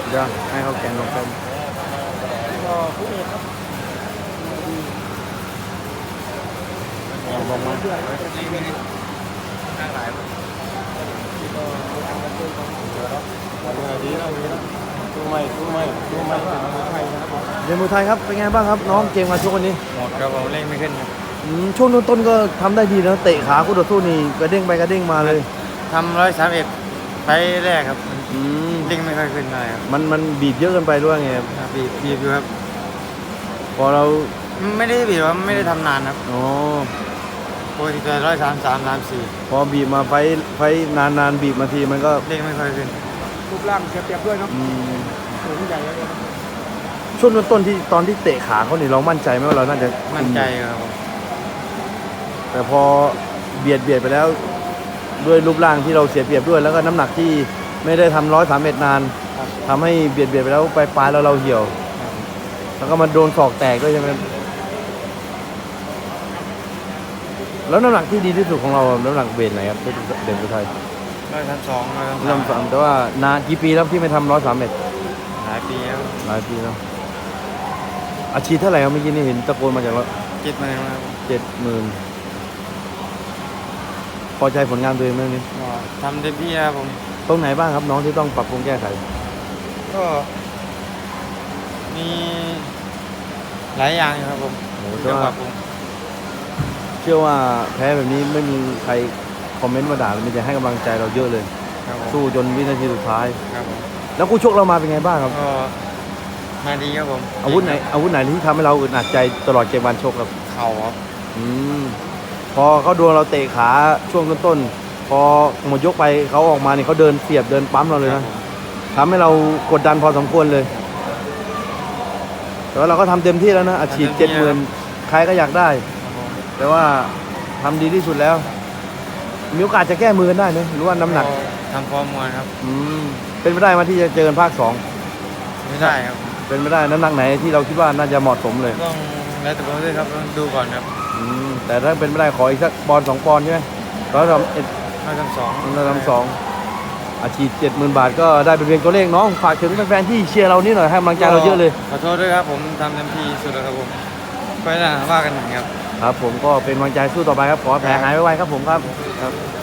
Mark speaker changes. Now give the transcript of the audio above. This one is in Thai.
Speaker 1: เดี๋ยวให้เขาแกนลงเป็น
Speaker 2: ก็ผู้เอกครับ
Speaker 1: ลงมา
Speaker 2: เพื่อน
Speaker 3: ข้างหลาย
Speaker 2: ก็ทำกันด้วยกัน
Speaker 3: ดีแล้วตู้ไม่เป็นไทยนะครับ
Speaker 1: เรียนมวยไทยครับเป็นไงบ้างครับน้องเกมมาชกวันนี้
Speaker 3: หมดครับผมเล่นไม่ขึ้นครับ
Speaker 1: ช่วงต้นๆก็ทำได้ดีนะเตะขาคู่ต่อสู้นี่กระเด้งไปกระเด้งมาเลย
Speaker 3: ทำ131ไฟแรกครับ
Speaker 1: อืม
Speaker 3: เล่นไม่ค่อยขึ้นเลยครับ
Speaker 1: มันบีบเยอะเกินไปด้วยไงครับ
Speaker 3: บีบอยู่ครับ
Speaker 1: พอเรา
Speaker 3: ไม่ได้บีบว่าไม่ได้ทำนานครับ
Speaker 1: อ๋อ
Speaker 3: ปกติจะ133
Speaker 1: พอบีบมาไฟนานบีบมาทีมันก็
Speaker 3: 34เล่นไม่ค่อยขึ้น
Speaker 2: รูปร่างเสียเปรียบด้วยเนาะ
Speaker 1: อืม
Speaker 2: สูงใหญ่เลย
Speaker 1: ช่วงต้นๆที่ตอนที่เตะขาเขานี่เรามั่นใจไหมว่าเราน่าจะ
Speaker 3: มั่นใจครับผม
Speaker 1: แต่พอเบียดไปแล้วด้วยรูปร่างที่เราเสียเปรียบด้วย แล้วก็น้ำหนักที่ไม่ได้ทำ131นานทำให้เบียดไปแล้วปลายแล้วเราเหี่ยว แล้วก็มาโดนศอกแตกด้วยใช่ไหมแล้วน้ำหนักที่ดีที่สุดของเราน้ำหนักเวทไหนครับที่เด่นไทย
Speaker 3: 132
Speaker 1: เริ่มสามแต่ว่านานกี่ปีแล้วที่ไม่ทำ131
Speaker 3: หลายปีแล้ว
Speaker 1: หลายปีแล้วอาชีพเท่าไหร่ครับเมื่อกี้นี่เห็นตะโกนมาจากว่า
Speaker 3: คิดมาแล้วครับ
Speaker 1: 70,000พอใจผลงานตัวเองไหมนี่
Speaker 3: ก็ทำเต็มที่ครับผม
Speaker 1: ตรงไหนบ้างครับน้องที่ต้องปรับปรุงแก้ไข
Speaker 3: ก็มีหลายอย่างอยู่ครับผม
Speaker 1: โอ้โห
Speaker 3: ที่จะปรับปรุง
Speaker 1: เชื่อว่าแพ้แบบนี้ไม่มีใครคอมเมนต์มาด่ามีแต่ให้กำลังใจเราเยอะเลย
Speaker 3: ครับผม
Speaker 1: สู้จนวินาทีสุดท้าย
Speaker 3: ครับผม
Speaker 1: แล้วคู่ชกเรามาเป็นไงบ้างครับ
Speaker 3: ก็มาดีครับผม
Speaker 1: อาวุธไหนที่ทำให้เราอึดอัดใจตลอดเกมวันชกครับ
Speaker 3: เข่าครับ
Speaker 1: อืมพอเขาดวลเราเตะขาช่วงต้นๆพอหมดยกไปเขาออกมาเนี่ยเขาเดินเสียบเดินปั๊มเราเลยนะทำให้เรากดดันพอสมควรเลย แต่ว่าเราก็ทำเต็มที่แล้วนะอาชีพ70,000ใครก็อยากได้
Speaker 3: ครับผม
Speaker 1: แต่ว่าทำดีที่สุดแล้ว มีโอกาสจะแก้มือกันได้ไหมหรือว่าน้ำหนัก
Speaker 3: ก็ทำฟอร์มมวยครับ
Speaker 1: เป็นไปได้ไหมที่จะเจอกันภาค2
Speaker 3: ไม่ได้ครับ
Speaker 1: เป็นไปได้น้ำหนักไหนที่เราคิดว่าน่าจะเหมาะสมเลย
Speaker 3: ต้องแล้วแต่ผมด้วยครับต้องดูก่อนครับ
Speaker 1: แต่ถ้าเป็นไปได้ขออีกสักปอนด์2 ปอนด์ใช่ไหม132
Speaker 3: 132
Speaker 1: อาชีพ70,000 บาทก็ได้เป็นเพียงตัวเลขน้องฝากถึงแฟนๆที่เชียร์เรานี่หน่อยให้กำลังใจเราเยอะเลย
Speaker 3: ขอโทษด้วยครับผมทำเต็มที่สุดแล้วครับผมไปหน้าว่ากันหนึ่งครับ
Speaker 1: ครับผมก็เป็นกำลังใจสู้ต่อไปครับขอให้แผลหายไวๆครับผมครับ
Speaker 3: ครับ